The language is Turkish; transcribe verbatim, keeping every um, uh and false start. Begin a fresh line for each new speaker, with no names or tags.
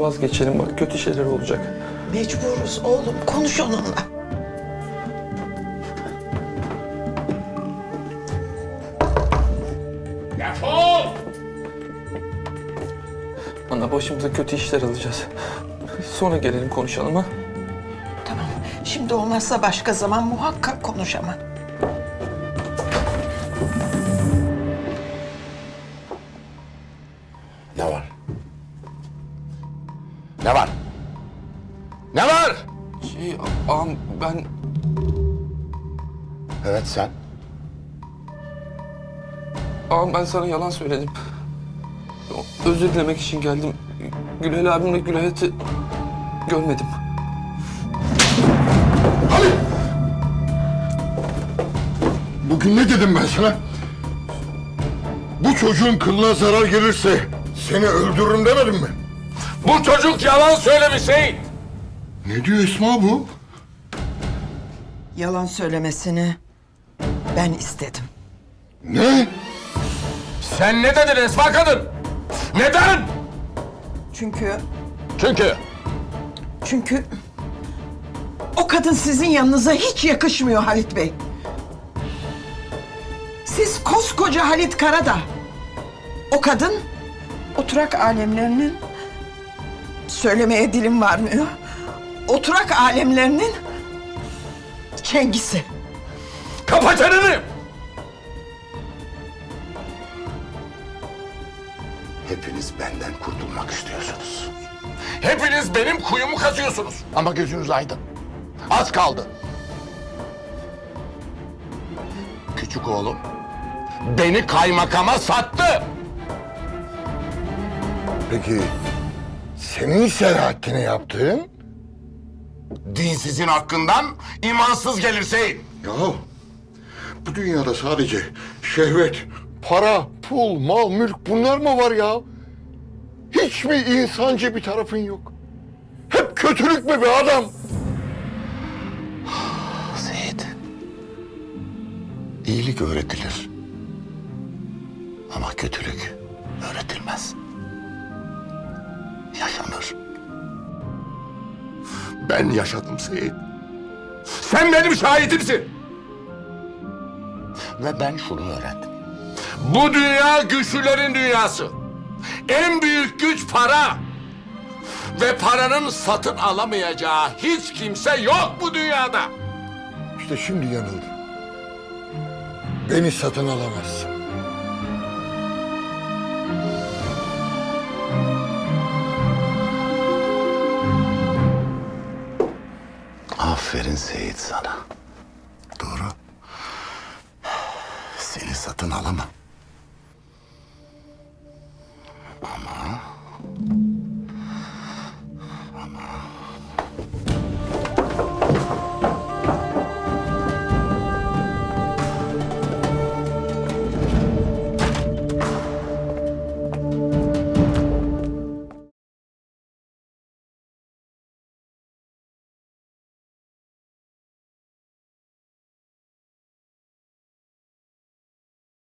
vazgeçelim. Bak kötü şeyler olacak.
Mecburuz oğlum, konuş onunla.
Defol!
Ana başımıza kötü işler alacağız. Sonra gelelim konuşalım ha.
Tamam, şimdi olmazsa başka zaman muhakkak konuş ama.
Ne var? Ne var? Ne var?
Şey, ağam ben...
Evet sen.
Ağam ben sana yalan söyledim. Özür dilemek için geldim. Gülhel abimle Gülayhat'ı görmedim.
Halit! Bugün ne dedim ben sana? Bu çocuğun kılına zarar gelirse seni öldürürüm demedim mi?
Bu çocuk yalan söylemiş Seyit.
Ne diyor Esma bu?
Yalan söylemesini ben istedim.
Ne?
Sen ne dedin Esma kadın? Neden?
Çünkü,
Çünkü
çünkü o kadın sizin yanınıza hiç yakışmıyor Halit Bey. Siz koskoca Halit Karadağ. O kadın oturak alemlerinin, söylemeye dilim varmıyor, oturak alemlerinin Cengiz'i.
kapa çeneni.
Hepiniz benden kurtulmak istiyorsunuz.
Hepiniz benim kuyumu kazıyorsunuz. Ama gözünüz aydın. Az kaldı. Küçük oğlum beni kaymakama sattı.
Peki senin Selahattin'e yaptığın?
Dinsizin hakkından imansız gelir Seyit.
Ya bu dünyada sadece şehvet, para, pul, mal, mülk bunlar mı var ya? Hiç mi insancı bir tarafın yok? Hep kötülük mü be adam?
Seyit, iyilik öğretilir. Ama kötülük öğretilmez. Yaşanır. Ben yaşadım Seyit. Sen benim şahidimsin. Ve ben şunu öğrendim. Bu dünya güçlülerin dünyası. En büyük güç para. Ve paranın satın alamayacağı hiç kimse yok bu dünyada.
İşte şimdi yanıldım. Beni satın alamazsın.
Aferin Seyit sana. Doğru. Seni satın alamam.